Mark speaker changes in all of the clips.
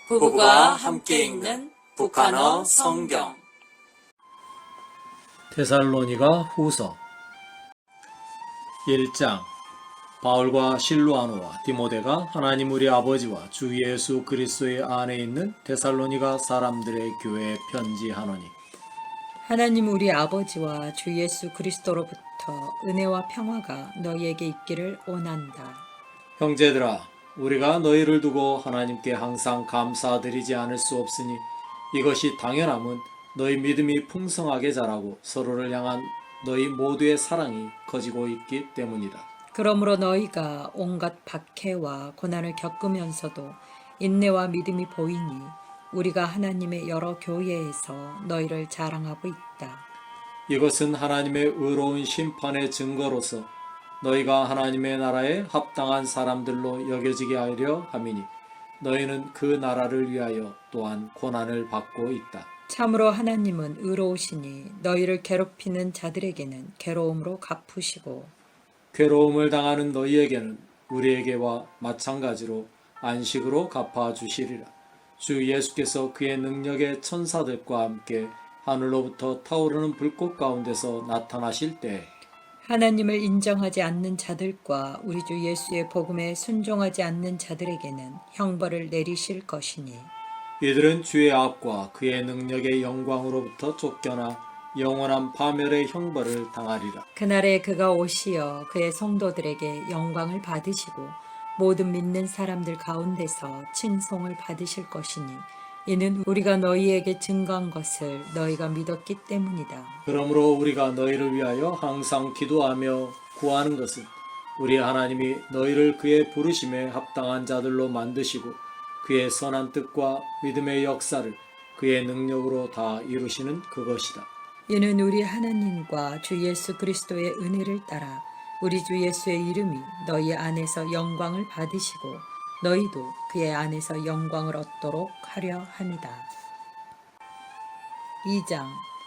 Speaker 1: 부부가 함께 읽는 북한어 성경.
Speaker 2: 데살로니가 후서 1장. 바울과 실루아노와 디모데가 하나님 우리 아버지와 주 예수 그리스도의 안에 있는 데살로니가 사람들의 교회에 편지하노니,
Speaker 3: 하나님 우리 아버지와 주 예수 그리스도로부터 은혜와 평화가 너희에게 있기를 원한다.
Speaker 2: 형제들아, 우리가 너희를 두고 하나님께 항상 감사드리지 않을 수 없으니 이것이 당연함은 너희 믿음이 풍성하게 자라고 서로를 향한 너희 모두의 사랑이 커지고 있기 때문이다.
Speaker 3: 그러므로 너희가 온갖 박해와 고난을 겪으면서도 인내와 믿음이 보이니 우리가 하나님의 여러 교회에서 너희를 자랑하고 있다.
Speaker 2: 이것은 하나님의 의로운 심판의 증거로서 너희가 하나님의 나라에 합당한 사람들로 여겨지게 하려 함이니, 너희는 그 나라를 위하여 또한 고난을 받고 있다.
Speaker 3: 참으로 하나님은 의로우시니 너희를 괴롭히는 자들에게는 괴로움으로 갚으시고
Speaker 2: 괴로움을 당하는 너희에게는 우리에게와 마찬가지로 안식으로 갚아주시리라. 주 예수께서 그의 능력의 천사들과 함께 하늘로부터 타오르는 불꽃 가운데서 나타나실 때
Speaker 3: 하나님을 인정하지 않는 자들과 우리 주 예수의 복음에 순종하지 않는 자들에게는 형벌을 내리실 것이니,
Speaker 2: 이들은 주의 악과 그의 능력의 영광으로부터 쫓겨나 영원한 파멸의 형벌을 당하리라.
Speaker 3: 그날에 그가 오시어 그의 성도들에게 영광을 받으시고 모든 믿는 사람들 가운데서 칭송을 받으실 것이니, 이는 우리가 너희에게 증거한 것을 너희가 믿었기 때문이다.
Speaker 2: 그러므로 우리가 너희를 위하여 항상 기도하며 구하는 것은 우리 하나님이 너희를 그의 부르심에 합당한 자들로 만드시고 그의 선한 뜻과 믿음의 역사를 그의 능력으로 다 이루시는 그것이다.
Speaker 3: 이는 우리 하나님과 주 예수 그리스도의 은혜를 따라 우리 주 예수의 이름이 너희 안에서 영광을 받으시고 너희도 그의 안에서 영광을 얻도록 하려 함이다. 2장.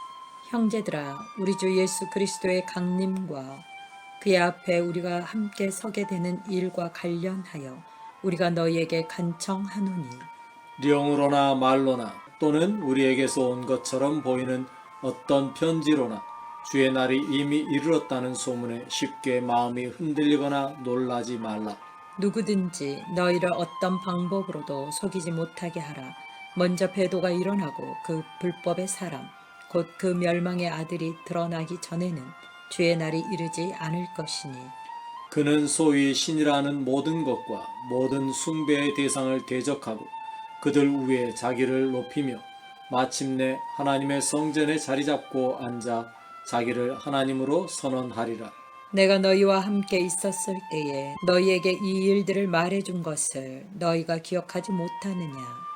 Speaker 3: 형제들아, 우리 주 예수 그리스도의 강림과 그의 앞에 우리가 함께 서게 되는 일과 관련하여 우리가 너희에게 간청하노니,
Speaker 2: 령으로나 말로나 또는 우리에게서 온 것처럼 보이는 어떤 편지로나 주의 날이 이미 이르렀다는 소문에 쉽게 마음이 흔들리거나 놀라지 말라.
Speaker 3: 누구든지 너희를 어떤 방법으로도 속이지 못하게 하라. 먼저 배도가 일어나고 그 불법의 사람, 곧 그 멸망의 아들이 드러나기 전에는 주의 날이 이르지 않을 것이니,
Speaker 2: 그는 소위 신이라는 모든 것과 모든 숭배의 대상을 대적하고 그들 위에 자기를 높이며 마침내 하나님의 성전에 자리 잡고 앉아 자기를 하나님으로 선언하리라.
Speaker 3: 내가 너희와 함께 있었을 때에 너희에게 이 일들을 말해준 것을 너희가 기억하지 못하느냐.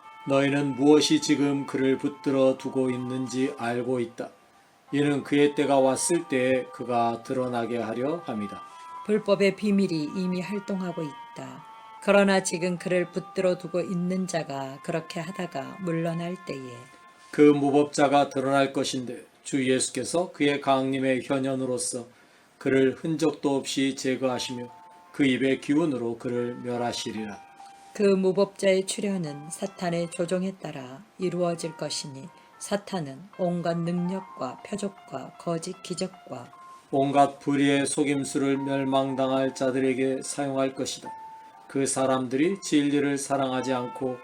Speaker 2: 너희는 무엇이 지금 그를 붙들어 두고 있는지 알고 있다. 이는 그의 때가 왔을 때에 그가 드러나게 하려 함이다.
Speaker 3: 불법의 비밀이 이미 활동하고 있다. 그러나 지금 그를 붙들어 두고 있는 자가 그렇게 하다가 물러날 때에
Speaker 2: 그 무법자가 드러날 것인데 주 예수께서 그의 강림의 현현으로서 그를 흔적도 없이 제거하시며 그 입의 기운으로 그를 멸하시리라.
Speaker 3: 그 무법자의 출현은 사탄의 조종에 따라 이루어질 것이니, 사탄은 온갖 능력과 표적과 거짓 기적과
Speaker 2: 온갖 불의의 속임수를 멸망당할 자들에게 사용할 것이다. 그 사람들이 진리를 사랑하지 않고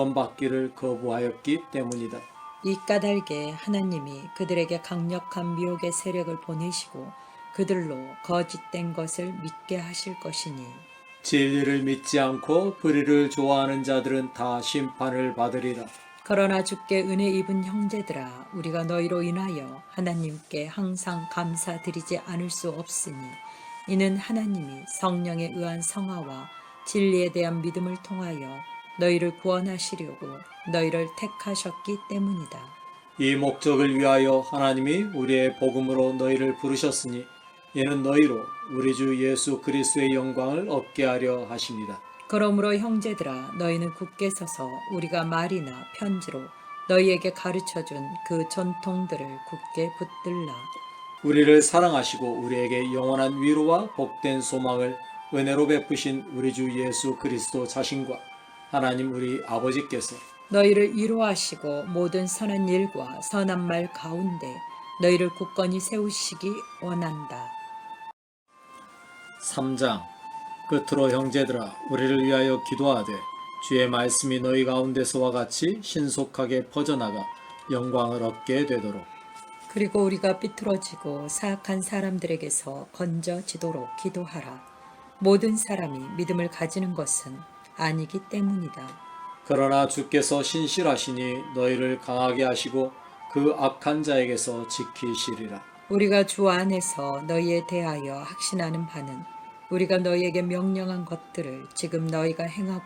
Speaker 2: 구원받기를 거부하였기 때문이다.
Speaker 3: 이 까닭에 하나님이 그들에게 강력한 미혹의 세력을 보내시고 그들로 거짓된 것을 믿게 하실 것이니,
Speaker 2: 진리를 믿지 않고 불의를 좋아하는 자들은 다 심판을 받으리라.
Speaker 3: 그러나 주께 은혜 입은 형제들아, 우리가 너희로 인하여 하나님께 항상 감사드리지 않을 수 없으니, 이는 하나님이 성령에 의한 성화와 진리에 대한 믿음을 통하여 너희를 구원하시려고 너희를 택하셨기 때문이다.
Speaker 2: 이 목적을 위하여 하나님이 우리의 복음으로 너희를 부르셨으니 이는 너희로 우리 주 예수 그리스도의 영광을 얻게 하려 하십니다.
Speaker 3: 그러므로 형제들아, 너희는 굳게 서서 우리가 말이나 편지로 너희에게 가르쳐준 그 전통들을 굳게 붙들라.
Speaker 2: 우리를 사랑하시고 우리에게 영원한 위로와 복된 소망을 은혜로 베푸신 우리 주 예수 그리스도 자신과 하나님 우리 아버지께서
Speaker 3: 너희를 위로하시고 모든 선한 일과 선한 말 가운데 너희를 굳건히 세우시기 원한다.
Speaker 2: 3장. 끝으로 형제들아 우리를 위하여 기도하되 주의 말씀이 너희 가운데서와 같이 신속하게 퍼져나가 영광을 얻게 되도록.
Speaker 3: 그리고 우리가 삐뚤어지고 사악한 사람들에게서 건져지도록 기도하라. 모든 사람이 믿음을 가지는 것은 아니기 때문이다.
Speaker 2: 그러나 주께서 신실하시니 너희를 강하게 하시고 그 악한 자에게서 지키시리라.
Speaker 3: 우리가 주 안에서 너희에 대하여 확신하는 바는 우리가 너희에게 명령한 것들을 지금 너희가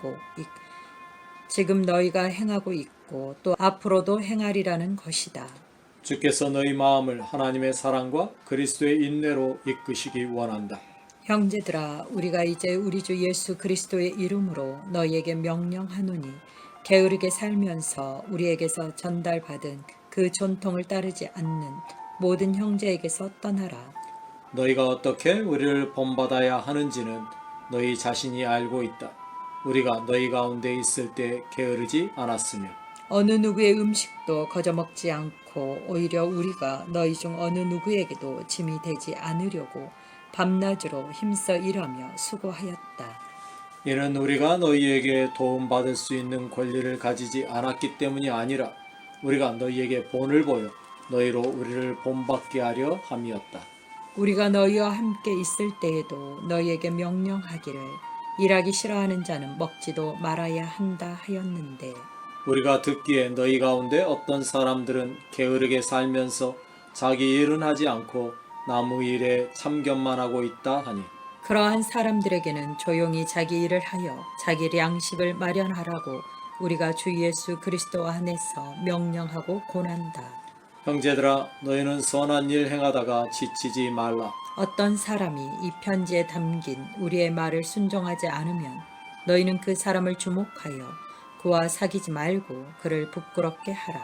Speaker 3: 행하고 있고 또 앞으로도 행하리라는 것이다.
Speaker 2: 주께서 너희 마음을 하나님의 사랑과 그리스도의 인내로 이끄시기 원한다.
Speaker 3: 형제들아, 우리가 이제 우리 주 예수 그리스도의 이름으로 너희에게 명령하노니 게으르게 살면서 우리에게서 전달받은 그 전통을 따르지 않는 모든 형제에게서 떠나라.
Speaker 2: 너희가 어떻게 우리를 본받아야 하는지는 너희 자신이 알고 있다. 우리가 너희 가운데 있을 때 게으르지 않았으며
Speaker 3: 어느 누구의 음식도 거저먹지 않고 오히려 우리가 너희 중 어느 누구에게도 짐이 되지 않으려고 밤낮으로 힘써 일하며 수고하였다.
Speaker 2: 이는 우리가 너희에게 도움받을 수 있는 권리를 가지지 않았기 때문이 아니라 우리가 너희에게 본을 보여 너희로 우리를 본받게 하려 함이었다.
Speaker 3: 우리가 너희와 함께 있을 때에도 너희에게 명령하기를 일하기 싫어하는 자는 먹지도 말아야 한다 하였는데
Speaker 2: 우리가 듣기에 너희 가운데 어떤 사람들은 게으르게 살면서 자기 일은 하지 않고 나무 일에 참견만 하고 있다 하니
Speaker 3: 그러한 사람들에게는 조용히 자기 일을 하여 자기 양식을 마련하라고 우리가 주 예수 그리스도 안에서 명령하고 권한다.
Speaker 2: 형제들아 너희는 선한 일 행하다가 지치지 말라.
Speaker 3: 어떤 사람이 이 편지에 담긴 우리의 말을 순종하지 않으면 너희는 그 사람을 주목하여 그와 사귀지 말고 그를 부끄럽게 하라.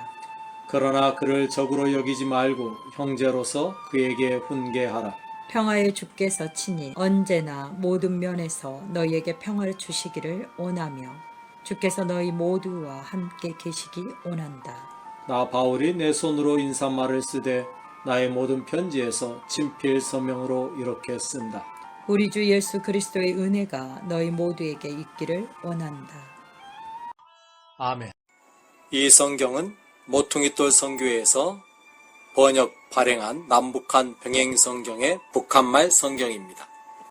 Speaker 2: 그러나 그를 적으로 여기지 말고 형제로서 그에게 훈계하라.
Speaker 3: 평화의 주께서 친히 언제나 모든 면에서 너희에게 평화를 주시기를 원하며 주께서 너희 모두와 함께 계시기 원한다.
Speaker 2: 나 바울이 내 손으로 인사말을 쓰되 나의 모든 편지에서 친필 서명으로 이렇게 쓴다.
Speaker 3: 우리 주 예수 그리스도의 은혜가 너희 모두에게 있기를 원한다.
Speaker 2: 아멘.
Speaker 1: 이 성경은 모퉁이돌 선교회에서 번역 발행한 남북한 병행 성경의 북한말 성경입니다.